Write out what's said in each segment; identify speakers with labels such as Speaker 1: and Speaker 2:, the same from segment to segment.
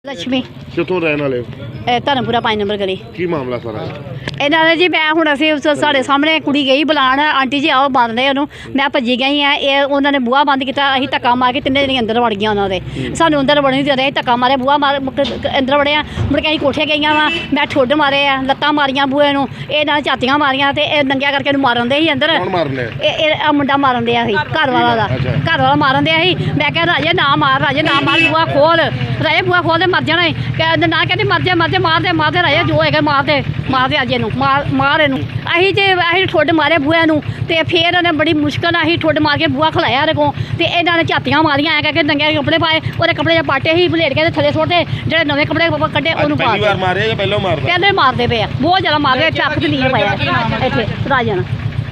Speaker 1: लक्ष्मी
Speaker 2: कितों रहने वाले
Speaker 1: धर्मपुरा 5 नंबर गली
Speaker 2: की मामला सारा
Speaker 1: ਇਹਨਾਂ ਨੇ ਜੀ ਮੈਂ ਹੁਣ ਅਸੀਂ ਸਾਡੇ ਸਾਹਮਣੇ ਕੁੜੀ ਗਈ ਬੁਲਾਉਣ ਆਂਟੀ ਜੀ ਆਓ ਬੰਦ ਨੇ ਉਹਨੂੰ ਮੈਂ ਭੱਜੀ ਗਈ ਆ ਇਹ ਉਹਨਾਂ ਨੇ ਬੂਹਾ ਬੰਦ ਕੀਤਾ ਅਸੀਂ ਧੱਕਾ ਮਾਰ ਕੇ ਤਿੰਨੇ ਜਣੇ ਅੰਦਰ ਵੜ ਗਈਆਂ ਉਹਨਾਂ ਦੇ ਸਾਨੂੰ ਅੰਦਰ ਵੜਨ ਨਹੀਂ ਦੇ ਰਹੇ ਧੱਕਾ ਮਾਰੇ ਬੂਹਾ ਮਾਰ ਅੰਦਰ ਵੜਿਆ ਮੁੜ ਕੇ ਅਸੀਂ ਕੋਠੇ ਗਈਆਂ ਵਾ ਮੈਂ ਠੁੱਡ ਮਾਰੇ ਆ ਲੱਤਾਂ ਮਾਰੀਆਂ ਬੂਹੇ ਨੂੰ ਇਹ ਨਾਲ ਝਾਤੀਆਂ ਮਾਰੀਆਂ ਤੇ ਇਹ ਨੰਗਿਆ ਕਰਕੇ ਇਹਨੂੰ ਮਾਰਨ ਦੇ ਸੀ ਅੰਦਰ ਇਹ ਮੁੰਡਾ ਮਾਰਨ ਦਿਆ ਸੀ ਘਰ ਵਾਲਾ ਮਾਰਨ ਦਿਆ ਸੀ ਮੈਂ ਕਿਹਾ ਰਾਜੇ ਨਾ ਮਾਰ ਬੂਹਾ ਖੋਲ ਰਾਜੇ ਬੂਹਾ ਖੋਲ ਦੇ ਮਰ ਜਾਣਾ ਕਹਿੰਦੇ ਨਾ ਕਹਿੰਦੇ ਮਰ ਜਾ ਮਾਰਦੇ ਰਾਜੇ ਜੋ ਹੈਗਾ ਮਾਰਦੇ ਅੱਜ ਇਹਨੂੰ ਮਾਰ ਇਹਨੂੰ ਅਸੀਂ ਠੁੱਡ ਮਾਰੇ ਬੂਹੇ ਨੂੰ ਤੇ ਫਿਰ ਉਹਨੇ ਬੜੀ ਮੁਸ਼ਕਲ ਨਾਲ ਅਸੀਂ ਠੁੱਡ ਮਾਰ ਕੇ ਬੂਹਾ ਖਲਾਇਆ ਉਹਦੇ ਕੋਲ ਤੇ ਇਹਨਾਂ ਨੇ ਝਾਤੀਆਂ ਮਾਰੀਆਂ ਐ ਕਰਕੇ ਨੰਗੇ ਕੱਪੜੇ ਪਾਏ ਉਹਦੇ ਕੱਪੜੇ ਜੇ ਪਾਟੇ ਸੀ ਬਲੇਡ ਕੇ ਥੱਲੇ ਸੁੱਟੇ ਜਿਹੜੇ ਨਵੇਂ ਕੱਪੜੇ ਕੱਢੇ ਉਹਨੂੰ ਪਾ
Speaker 2: ਪਹਿਲੀ ਵਾਰ ਮਾਰੇ ਜਾਂ ਪਹਿਲਾਂ ਮਾਰਦੇ
Speaker 1: ਪਹਿਲੇ ਮਾਰਦੇ ਪਏ ਆ ਬਹੁਤ ਜ਼ਿਆਦਾ ਮਾਰਦੇ ਚੱਕ ਤੇ ਨਹੀਂ ਪਾਇਆ ਇੱਥੇ ਰਾਜਨ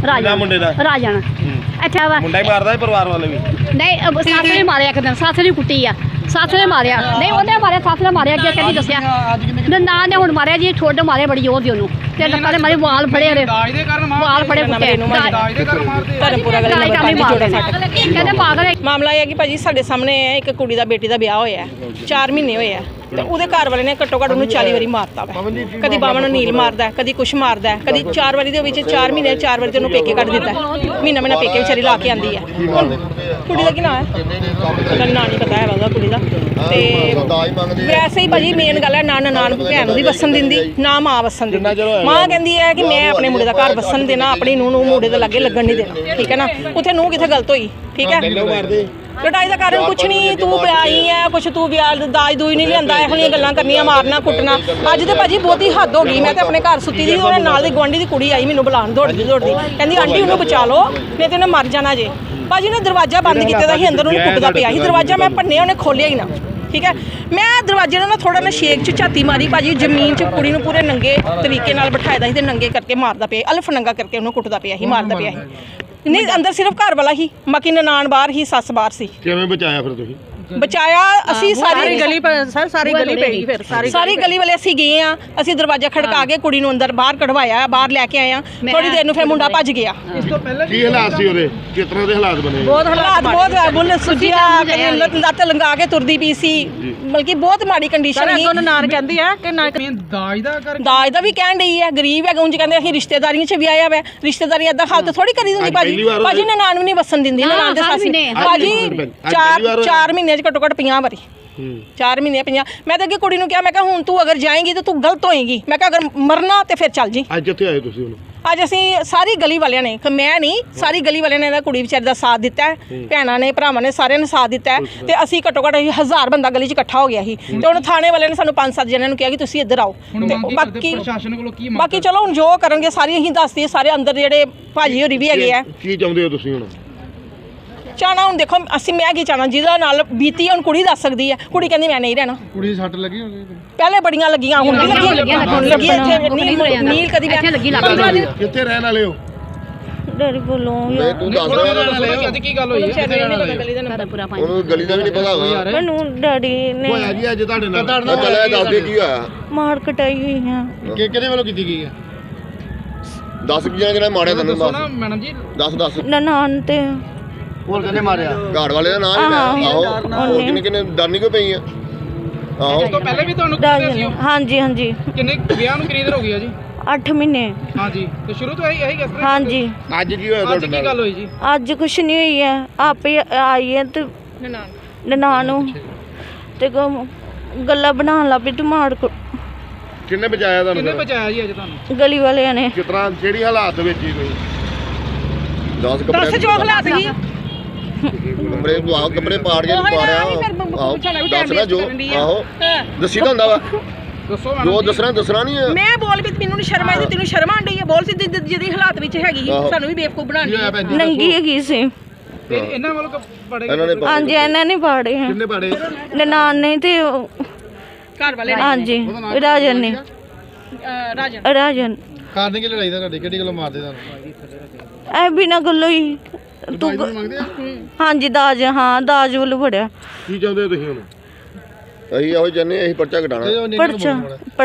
Speaker 1: ਅੱਛਾ ਵਾ
Speaker 2: ਮੁੰਡਾ ਹੀ ਮਾਰਦਾ ਪਰਿਵਾਰ ਵਾਲੇ ਵੀ
Speaker 1: ਨਹੀਂ ਸੱਸ ਨੇ ਮਾਰਿਆ ਇੱਕ ਦਿਨ ਸੱਸ ਨੇ ਕੁੱਟੀ ਆ ਸੱਸ ਨੇ ਮਾਰਿਆ ਨਹੀਂ ਉਹਨੇ ਮਾਰਿਆ ਸੱਸ ਨੇ ਮਾਰਿਆ ਅੱਗੇ ਕਹਿੰਦੀ ਦੱਸਿਆ ਨਾ ਨੇ ਹੁਣ ਮਾਰਿਆ ਜੀ ਠੁੱਡ ਮਾਰੇ ਬੜੀ ਜ਼ੋਰ ਦੀ ਉਹਨੂੰ ਤੇ ਲੱਤਾਂ ਦੇ ਮਾਰੇ ਵਾਲ ਫੜੇ ਉਹਦੇ ਵਾਲ ਫੜੇ ਕੁੱਟੇ
Speaker 3: ਧਰਮਪੁਰਾ ਗਲੀ
Speaker 1: ਕਹਿੰਦੇ ਪਾਗਲ
Speaker 3: ਮਾਮਲਾ ਇਹ ਹੈ ਕਿ ਭਾਜੀ ਸਾਡੇ ਸਾਹਮਣੇ ਇੱਕ ਕੁੜੀ ਦਾ ਬੇਟੀ ਦਾ ਵਿਆਹ ਹੋਇਆ 4 ਮਹੀਨੇ ਹੋਏ ਆ ਤੇ ਉਹਦੇ ਘਰ ਵਾਲੇ ਨੇ ਘੱਟੋ ਘੱਟ ਉਹਨੂੰ 40 ਵਾਰੀ ਮਾਰਤਾ ਵਾ ਕਦੀ ਬਾਵਾਂ ਨੂੰ ਨੀਲ ਮਾਰਦਾ ਕਦੀ ਕੁਛ ਮਾਰਦਾ ਕਦੀ 4 ਵਾਰੀ ਦੇ ਵਿੱਚ 4 ਮਹੀਨੇ 4 ਵਾਰੀ ਤੇ ਉਹਨੂੰ ਪੇਕੇ ਕੱਢ ਦਿੱਤਾ ਮਹੀਨਾ ਪੇਕੇ ਵਿਚਾਰੀ ਲਾ ਕੇ ਆਂਦੀ ਹੈ ਕੁੜੀ ਦਾ ਕੀ ਨਾਂ ਹੈ ਮੈਨੂੰ ਨਾਂ ਨਹੀਂ ਪਤਾ ਹੈ ਉਹਦਾ ਕੁੜੀ ਦਾ ਤੇ ਵੈਸੇ ਹੀ ਭਾਜੀ ਮੇਨ ਗੱਲ ਹੈ ਨਾ ਨਨਾਣ ਭੈਣ ਨੂੰ ਵੀ ਵਸਣ ਦਿੰਦੀ ਨਾ ਮਾਂ ਵਸਣ ਦਿੰਦੀ ਮਾਂ ਕਹਿੰਦੀ ਹੈ ਕਿ ਮੈਂ ਆਪਣੇ ਮੁੰਡੇ ਦਾ ਘਰ ਵਸਣ ਦੇਣਾ ਆਪਣੀ ਨੂੰਹ ਨੂੰ ਮੁੰਡੇ ਦੇ ਲਾਗੇ ਲੱਗਣ ਨਹੀਂ ਦੇਣਾ ਠੀਕ ਹੈ ਨਾ ਉੱਥੇ ਨੂੰਹ ਕਿੱਥੇ ਗਲਤ ਹੋਈ ਠੀਕ ਹੈ ਲੜਾਈ ਦਾ ਕਾਰਨ ਕੁਛ ਨਹੀਂ ਤੂੰ ਵਿਆਹੀ ਹੈ ਕੁਛ ਤੂੰ ਵਿਆਹ ਦਾਜ ਦੂਜ ਨਹੀਂ ਲਿਆਂਦਾ ਇਹੋ ਜਿਹੀਆਂ ਗੱਲਾਂ ਕਰਨੀਆਂ ਮਾਰਨਾ ਕੁੱਟਣਾ ਅੱਜ ਤੇ ਭਾਜੀ ਬਹੁਤੀ ਹੱਦ ਹੋ ਗਈ ਮੈਂ ਤੇ ਆਪਣੇ ਘਰ ਸੁੱਤੀ ਦੀ ਉਹਦੇ ਨਾਲ ਦੀ ਗੁਆਂਢੀ ਦੀ ਕੁੜੀ ਆਈ ਮੈਨੂੰ ਬੁਲਾਉਣ ਦੌੜਦੀ ਕਹਿੰਦੀ ਆਂਟੀ ਉਹਨੂੰ ਬਚਾ ਲਓ ਨਹੀਂ ਤੇ ਉਹਨੇ ਮਰ ਜਾਣਾ ਜੇ ਭਾਜੀ ਨੇ ਦਰਵਾਜ਼ਾ ਬੰਦ ਕੀਤਾ ਦਾ ਸੀ ਅੰਦਰ ਉਹਨੂੰ ਕੁੱਟਦਾ ਪਿਆ ਸੀ ਦਰਵਾਜ਼ਾ ਮੈਂ ਭੰਨਿਆ ਉਹਨੇ ਖੋਲਿਆ ਹੀ ਨਾ ਠੀਕ ਹੈ ਮੈਂ ਦਰਵਾਜ਼ੇ ਨਾਲ ਥੋੜਾ ਨਾ ਸ਼ੇਕ 'ਚ ਝਾਤੀ ਮਾਰੀ ਭਾਜੀ ਜ਼ਮੀਨ 'ਚ ਕੁੜੀ ਨੂੰ ਪੂਰੇ ਨੰਗੇ ਤਰੀਕੇ ਨਾਲ ਬਿਠਾਇਆ ਸੀ ਤੇ ਨੰਗੇ ਕਰਕੇ ਮਾਰਦਾ ਪਿਆ ਅਲਫ ਨੰਗਾ ਕਰਕੇ ਉਹਨੂੰ ਕੁੱਟਦਾ ਪਿਆ ਸੀ ਮਾਰਦਾ ਪਿਆ ਸੀ ਨਹੀਂ ਅੰਦਰ ਸਿਰਫ ਘਰ ਵਾਲਾ ਹੀ ਬਾਕੀ ਨਨਾਣ ਬਾਹਰ ਹੀ ਸੱਸ ਬਾਹਰ ਸੀ
Speaker 2: ਕਿਵੇਂ ਬਚਾਇਆ ਫਿਰ ਤੁਸੀਂ
Speaker 3: ਬਚਾਇਆ ਅਸੀਂ ਸਾਰੀ ਗਲੀ ਸਾਰੀ ਗਲੀ ਪੈ ਗਈ ਫਿਰ ਸਾਰੀ ਗਲੀ ਵਾਲੇ ਅਸੀਂ ਗਏ ਆ ਅਸੀਂ ਦਰਵਾਜ਼ਾ ਖੜਕਾ ਕੇ ਕੁੜੀ ਨੂੰ ਅੰਦਰ ਬਾਹਰ ਕਢਵਾਇਆ ਬਾਹਰ ਲੈ ਕੇ ਆਏ ਆ ਥੋੜੀ ਦੇਰ ਨੂੰ ਫਿਰ ਮੁੰਡਾ ਭੱਜ ਗਿਆ
Speaker 2: ਕੀ ਹਾਲਾਤ ਸੀ ਉਹਦੇ ਕਿਸ ਤਰ੍ਹਾਂ ਦੇ ਹਾਲਾਤ ਬਣੇ
Speaker 3: ਬਹੁਤ ਬੁੱਲ ਸੁਜਿਆ ਲੱਤ ਲੰਗਾ ਕੇ ਤੁਰਦੀ ਪਈ ਸੀ ਬਲਕਿ ਬਹੁਤ ਮਾੜੀ ਕੰਡੀਸ਼ਨ ਸੀ ਉਹਨਾਂ ਨਾਰ ਕਹਿੰਦੀ ਆ ਕਿ ਨਾ ਦਾਜ ਦਾ ਵੀ ਕਹਿਣ ਡਈ ਹੈ ਗਰੀਬ ਹੈ ਉਂਝ ਕਹਿੰਦੇ ਅਸੀਂ ਰਿਸ਼ਤੇਦਾਰੀਆਂ 'ਚ ਵੀ ਆਇਆ ਵਾ ਰਿਸ਼ਤੇਦਾਰੀ ਏਦਾਂ ਹਾਲਤ ਥੋੜੀ ਕਰੀ ਦਿੰਦੀ ਭਾਜੀ ਨਨਾਣ ਨੂੰ ਨਹੀਂ ਵਸਣ ਦਿੰਦੀ ਨਨਾਣ ਦੇ ਸੱਸ ਭਾਜੀ 4 ਮਹੀਨੇ ਘੱਟੋ ਘੱਟ 50 ਵਾਰੀ 4 ਮਹੀਨੇ 50 ਮੈਂ ਤਾਂ ਅੱਗੇ ਕੁੜੀ ਨੂੰ ਕਿਹਾ ਮੈਂ ਕਿਹਾ ਹੁਣ ਤੂੰ ਅਗਰ ਜਾਏਂਗੀ ਤਾਂ ਤੂੰ ਗਲਤ ਹੋਏਗੀ ਮੈਂ ਕਿਹਾ ਅਗਰ ਮਰਨਾ ਤੇ ਫਿਰ ਚੱਲ ਜੀ
Speaker 2: ਅੱਜ ਕਿੱਥੇ ਆਏ ਤੁਸੀਂ ਹੁਣ
Speaker 3: ਅੱਜ ਅਸੀਂ ਸਾਰੀ ਗਲੀ ਵਾਲਿਆਂ ਨੇ ਮੈਂ ਨਹੀਂ ਸਾਰੀ ਗਲੀ ਵਾਲਿਆਂ ਨੇ ਇਹਦਾ ਕੁੜੀ ਵਿਚਾਰੀ ਦਾ ਸਾਥ ਦਿੱਤਾ ਹੈ ਭੈਣਾਂ ਨੇ ਭਰਾਵਾਂ ਨੇ ਸਾਰਿਆਂ ਨੇ ਸਾਥ ਦਿੱਤਾ ਹੈ ਤੇ ਅਸੀਂ ਘੱਟੋ ਘੱਟ 1000 ਬੰਦਾ ਗਲੀ 'ਚ ਇਕੱਠਾ ਹੋ ਗਿਆ ਸੀ ਤੇ ਹੁਣ ਥਾਣੇ ਵਾਲਿਆਂ ਨੇ ਸਾਨੂੰ 5-7 ਜਣਿਆਂ ਨੂੰ ਕਿਹਾ ਕਿ ਤੁਸੀਂ ਇੱਧਰ ਆਓ ਤੇ ਬਾਕੀ ਚਲੋ ਹੁਣ ਜੋ ਕਰਨਗੇ ਸਾਰੀ ਅਸੀਂ ਦੱਸਦੀ ਸਾਰੇ ਅੰਦਰ ਜਿਹੜੇ ਭਾਜੀ ਹੋਰੀ ਵੀ ਹੈਗੇ ਆ
Speaker 2: ਕੀ ਚਾਹੁੰਦੇ ਹੋ ਤੁਸੀਂ ਹੁਣ
Speaker 3: ਚਾਹਣਾ ਹੁਣ ਦੇਖੋ ਅਸੀਂ ਮੈਂ ਕੀ ਚਾਹਣਾ ਜਿਹਦਾ ਨਾਲ ਬੀਤੀ ਹੁਣ ਕੁੜੀ ਦੱਸ ਸਕਦੀ ਹੈ ਕੁੜੀ ਕਹਿੰਦੀ ਮੈਂ ਨਹੀਂ ਰਹਿਣਾ
Speaker 2: ਕੁੜੀ ਦੀ ਸੱਟ ਲੱਗੀ ਹੋਣੀ
Speaker 3: ਪਹਿਲੇ ਬੜੀਆਂ ਲੱਗੀਆਂ ਹੁਣ ਵੀ ਲੱਗੀ ਇੱਥੇ ਨੀਲ ਕਦੀ
Speaker 1: ਲੱਗੀ
Speaker 2: ਕਿੱਥੇ ਰਹਿਣ ਵਾਲੇ ਹੋ
Speaker 4: ਡੈਡੀ ਬੋਲੋ
Speaker 2: ਤੂੰ ਦੱਸ
Speaker 5: ਅੱਜ ਕੀ ਗੱਲ ਹੋਈ
Speaker 2: ਉਹਨੂੰ ਗਲੀ ਦਾ ਵੀ ਨਹੀਂ ਪਤਾ ਹੋਗਾ
Speaker 4: ਮੈਨੂੰ ਡੈਡੀ ਨੇ
Speaker 2: ਹੋਇਆ ਜੀ ਅੱਜ ਤੁਹਾਡੇ ਨਾਲ ਚੱਲਿਆ ਦੱਸ ਦੇ ਕੀ ਹੋਇਆ
Speaker 4: ਮਾਰ ਕਟਾਈ ਹੋਈ ਆ
Speaker 2: ਕਿਹਦੇ ਵੱਲੋਂ ਕੀਤੀ ਗਈ ਹੈ 10 ਜਿਹੜਾ ਮਾਰਿਆ ਤੈਨੂੰ
Speaker 5: ਮੈਡਮ ਜੀ
Speaker 2: 10
Speaker 4: ਨਨਾਣ ਤੇ
Speaker 2: ਹੋਰ ਕਿਹਨੇ ਮਾਰਿਆ ਘਾੜ ਵਾਲੇ ਦਾ ਨਾਮ ਹੀ ਆਹੋ ਹੋਰ ਕਿੰਨੇ ਡਰਨੀ ਕਿਉਂ ਪਈ ਆ ਆਹੋ
Speaker 5: ਉਸ ਤੋਂ ਪਹਿਲੇ ਵੀ ਤੁਹਾਨੂੰ ਕੁੱਟਿਆ ਸੀ
Speaker 4: ਹਾਂਜੀ
Speaker 5: ਕਿੰਨੇ ਵਿਆਹ ਨੂੰ ਕਿੰਨੀ ਦੇਰ ਹੋ ਗਈ ਆ ਜੀ
Speaker 4: 8 ਮਹੀਨੇ
Speaker 5: ਹਾਂਜੀ ਤੇ ਸ਼ੁਰੂ ਤੋਂ ਇਹੀ ਕਿਸ ਤਰ੍ਹਾਂ
Speaker 4: ਹਾਂਜੀ
Speaker 2: ਅੱਜ ਕੀ ਹੋਇਆ
Speaker 5: ਅੱਜ ਕੀ ਗੱਲ ਹੋਈ ਜੀ
Speaker 4: ਅੱਜ ਕੁਛ ਨਹੀਂ ਹੋਈ ਹੈ ਆਪੇ ਆਈ ਹੈ ਤੇ ਨਨਾਣ ਨੂੰ ਤੇ ਗੱਲਾਂ ਬਣਾਉਣ ਲੱਗ ਪਈ ਤੇ ਮਾਰ
Speaker 2: ਕਿੰਨੇ ਬਚਾਇਆ ਤੁਹਾਨੂੰ
Speaker 5: ਕਿੰਨੇ ਬਚਾਇਆ ਜੀ ਅੱਜ ਤੁਹਾਨੂੰ
Speaker 4: ਗਲੀ ਵਾਲਿਆਂ ਨੇ
Speaker 2: ਕਿਸ ਤਰ੍ਹਾਂ ਜਿਹੜੀ ਹਾਲਾਤ ਵਿੱਚ ਹੀ ਕੋਈ
Speaker 3: 10 ਜੋ ਹਾਲਾਤ ਸੀ
Speaker 2: ਕੱਪੜੇ ਪਾੜ ਕੇ ਪਾੜਿਆ ਆਹੋ ਦੱਸ ਨਾ ਜੋ ਆਹੋ ਦੱਸੀ ਤਾਂ ਹੁੰਦਾ ਵਾ
Speaker 5: ਦੱਸੋ
Speaker 2: ਜੋ ਦੱਸਣਾ ਨਹੀਂ ਹੈ
Speaker 3: ਮੈਂ ਬੋਲ ਵੀ ਮੈਨੂੰ ਸ਼ਰਮ ਆਈ ਤੇ ਤੈਨੂੰ ਸ਼ਰਮ ਆਂਦੀ ਹੈ ਬੋਲ ਸੀ ਜਿਹਦੀ ਹਾਲਾਤ ਵਿੱਚ ਹੈਗੀ ਸਾਨੂੰ ਵੀ ਬੇਵਕੂਫ ਬਣਾਉਣੀ
Speaker 4: ਨੰਗੀ ਹੈਗੀ ਸੀ
Speaker 5: ਤੇ ਇਹਨਾਂ ਵੱਲੋਂ ਪੜੇ
Speaker 4: ਹਾਂਜੀ ਇਹਨਾਂ ਨੇ ਪਾੜੇ ਆ
Speaker 2: ਕਿੰਨੇ ਪਾੜੇ
Speaker 4: ਨਨਾਣ ਨੇ ਤੇ
Speaker 3: ਘਰ ਵਾਲੇ
Speaker 4: ਹਾਂਜੀ ਰਾਜਨ ਨੇ ਰਾਜਨ
Speaker 2: ਕਾਰਨ ਕੀ ਲੜਾਈ ਦਾ ਤੁਹਾਡੇ ਕਿਹੜੀ ਗੱਲੋਂ ਮਾਰਦੇ ਤੁਹਾਨੂੰ
Speaker 4: ਐ ਬਿਨਾਂ ਗੱਲੋਂ ਹੀ ਤੂੰ ਹਾਂਜੀ ਦਾਜ ਦਾਜ ਵੱਲੋਂ ਫੜਿਆ
Speaker 2: ਕੀ ਚਾਹੁੰਦੇ ਹੋ ਤੁਸੀਂ ਹੁਣ ਅਸੀਂ ਇਹੋ ਜੰਨੇ ਅਸੀਂ ਪਰਚਾ ਘਟਾਣਾ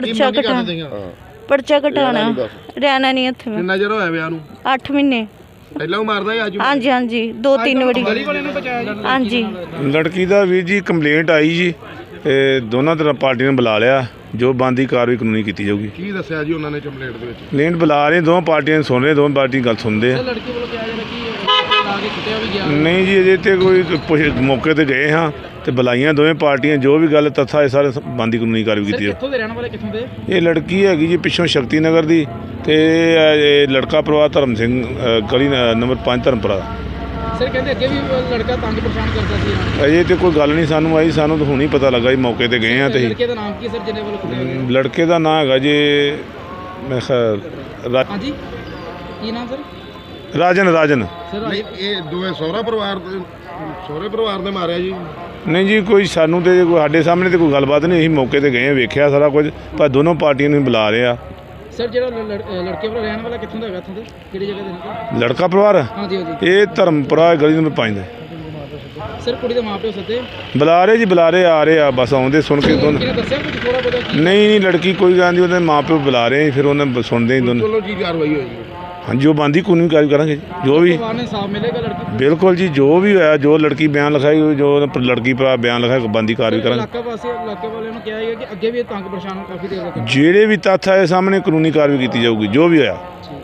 Speaker 4: ਪਰਚਾ ਘਟਾਣਾ ਰਹਿਣਾ ਨਹੀਂ ਇੱਥੇ
Speaker 2: ਕਿੰਨਾ ਚਿਰ ਹੋਇਆ ਵਿਆਹ ਨੂੰ
Speaker 4: 8 ਮਹੀਨੇ
Speaker 2: ਪਹਿਲਾਂ ਉਹ ਮਾਰਦਾ ਹੈ ਅੱਜ
Speaker 4: ਹਾਂਜੀ 2-3 ਵਾਰੀ ਹਾਂਜੀ
Speaker 6: ਲੜਕੀ ਦਾ ਵੀਰ ਜੀ ਕੰਪਲੇਂਟ ਆਈ ਜੀ ਇਹ ਦੋਨਾਂ ਤਰ੍ਹਾਂ ਪਾਰਟੀਆਂ ਨੇ ਬੁਲਾ ਲਿਆ, ਜੋ ਬਣਦੀ ਕਾਰਵਾਈ ਕਾਨੂੰਨੀ ਕੀਤੀ ਜਾਊਗੀ।
Speaker 2: ਕੀ ਦੱਸਿਆ ਜੀ ਉਹਨਾਂ ਨੇ ਕੰਪਲੇਂਟ ਦੇ ਵਿੱਚ?
Speaker 6: ਲੈਂਡ ਬੁਲਾ ਰਹੇ, ਦੋਵਾਂ ਪਾਰਟੀਆਂ ਨੂੰ ਸੁਣ ਰਹੇ, ਦੋਵਾਂ ਪਾਰਟੀ ਗੱਲ ਸੁਣਦੇ ਆ।
Speaker 5: ਲੜਕੀ ਵੱਲੋਂ ਕਿਹਾ ਜਾਂਦਾ ਕਿ ਲਾ ਕੇ ਕੁੱਟਿਆ ਵੀ ਗਿਆ।
Speaker 6: ਨਹੀਂ ਜੀ, ਅਜੇ ਤੇ ਕੋਈ ਮੌਕੇ ਤੇ ਗਏ ਹਾਂ ਤੇ ਬੁਲਾਈਆਂ ਦੋਵੇਂ ਪਾਰਟੀਆਂ, ਜੋ ਵੀ ਗੱਲ ਤੱਥਾ ਇਹ ਸਾਰੇ ਬਣਦੀ ਕਾਨੂੰਨੀ ਕਾਰਵਾਈ ਕੀਤੀ
Speaker 5: ਸਰ
Speaker 6: ਹੈ।
Speaker 5: ਕਿੱਥੋਂ ਦੇ ਰਹਿਣ ਵਾਲੇ, ਕਿੱਥੋਂ ਦੇ?
Speaker 6: ਇਹ ਲੜਕੀ ਹੈਗੀ ਜੀ ਪਿੱਛੋਂ ਸ਼ਕਤੀ ਨਗਰ ਦੀ, ਤੇ ਇਹ ਲੜਕਾ ਪਰਿਵਾਰ ਧਰਮ ਸਿੰਘ ਗਲੀ ਨੰਬਰ 5 ਧਰਮਪੁਰਾ।
Speaker 5: ਸਰ ਕਹਿੰਦੇ ਅੱਗੇ ਵੀ ਲੜਕਾ ਤੰਗ ਪਰੇਸ਼ਾਨ ਕਰਦਾ ਸੀ ਇਹਨਾਂ ਨੂੰ।
Speaker 6: ਅਜੇ ਤੇ ਕੋਈ ਗੱਲ ਨਹੀਂ ਸਾਨੂੰ ਆਈ, ਸਾਨੂੰ ਤਾਂ ਹੁਣ ਹੀ ਪਤਾ ਲੱਗਾ ਜੀ, ਮੌਕੇ ਤੇ ਗਏ ਹਾਂ ਤੇ
Speaker 5: ਲੜਕੇ ਦਾ ਨਾਮ ਕੀ ਸਰ ਜਿਹਨੇ ਵੱਲੋਂ ਕੁੱਟਿਆ ਗਿਆ?
Speaker 6: ਲੜਕੇ ਦਾ ਨਾਂ ਹੈਗਾ ਜੀ ਮੈਂ
Speaker 5: ਹਾਂਜੀ ਕੀ ਨਾਮ ਸਰ?
Speaker 6: ਰਾਜਨ।
Speaker 5: ਸਰ
Speaker 2: ਨਹੀਂ, ਇਹ ਦੋਵੇਂ ਸਹੁਰੇ ਪਰਿਵਾਰ ਦੇ ਮਾਰਿਆ ਜੀ?
Speaker 6: ਨਹੀਂ ਜੀ, ਕੋਈ ਸਾਨੂੰ ਤੇ ਕੋਈ ਸਾਡੇ ਸਾਹਮਣੇ ਤੇ ਕੋਈ ਗੱਲਬਾਤ ਨਹੀਂ, ਅਸੀਂ ਮੌਕੇ ਤੇ ਗਏ ਹਾਂ, ਵੇਖਿਆ ਸਾਰਾ ਕੁਝ, ਪਰ ਦੋਨੋਂ ਪਾਰਟੀਆਂ ਨੂੰ ਬੁਲਾ ਰਹੇ ਆ।
Speaker 5: ਸਰ ਜਿਹੜਾ ਲੜਕੇ ਵੱਲੋਂ ਰਹਿਣ ਵਾਲਾ ਕਿੱਥੋਂ ਦਾ ਹੈਗਾ, ਇੱਥੋਂ ਦੇ ਕਿਹੜੀ ਜਗ੍ਹਾ ਦੇ ਨੇ?
Speaker 6: ਲੜਕਾ ਪਰਿਵਾਰ
Speaker 5: ਹਾਂਜੀ ਹਾਂਜੀ।
Speaker 6: ਇਹ ਧਰਮਪੁਰਾ ਗਲੀ ਨੰਬਰ 5 ਦਾ।
Speaker 5: ਸਰ ਕੁੜੀ ਦੇ ਮਾਪਿਓ ਸੱਦੇ?
Speaker 6: ਬੁਲਾ ਰਹੇ ਜੀ, ਬੁਲਾ ਰਹੇ, ਆ ਰਹੇ ਆ, ਬਸ ਆਉਂਦੇ ਸੁਣ ਕੇ ਦੋਨੋਂ।
Speaker 5: ਕਿਹਨੇ ਦੱਸਿਆ ਕੁਝ ਥੋੜਾ ਬਹੁਤਾ ਕੀ?
Speaker 6: ਨਹੀਂ ਲੜਕੀ ਕੋਈ ਗੱਲ ਨਹੀਂ, ਉਹਦੇ ਮਾਂ ਪਿਓ ਬੁਲਾ ਰਹੇ, ਫਿਰ ਉਹਨਾਂ ਸੁਣਦੇ ਹੀ ਦੋਨੋਂ।
Speaker 2: ਚਲੋ ਕੀ ਕਾਰਵਾਈ ਹੋਈ?
Speaker 6: ਹਾਂਜੀ, ਉਹ ਬਣਦੀ ਕਾਨੂੰਨੀ ਕਾਰਵਾਈ ਕਰਾਂਗੇ ਜੀ, ਜੋ ਵੀ।
Speaker 5: ਪਰਿਵਾਰ ਨੇ ਇਨਸਾਫ ਮਿਲੇਗਾ ਲੜਕੀ ਨੂੰ?
Speaker 6: ਬਿਲਕੁਲ ਜੀ, ਜੋ ਵੀ ਹੋਇਆ, ਜੋ ਲੜਕੀ ਬਿਆਨ ਲਿਖਾਈ, ਜੋ ਲੜਕੀ ਭਰਾ ਬਿਆਨ ਲਿਖਾਇਆ, ਬਣਦੀ ਕਾਰਵਾਈ ਕਰਾਂਗੇ।
Speaker 5: ਇਲਾਕੇ ਵਾਲਿਆਂ ਨੂੰ ਕਿਹਾ ਹੈ ਕਿ ਅੱਗੇ ਵੀ ਇਹ ਤੰਗ ਪਰੇਸ਼ਾਨ ਕਾਫੀ ਦੇਰ ਤੱਕ।
Speaker 6: ਜਿਹੜੇ ਵੀ ਤੱਥ ਆਏ ਸਾਹਮਣੇ ਕਾਨੂੰਨੀ ਕਾਰਵਾਈ ਕੀਤੀ ਜਾਊਗੀ, ਜੋ ਵੀ ਹੋਇਆ।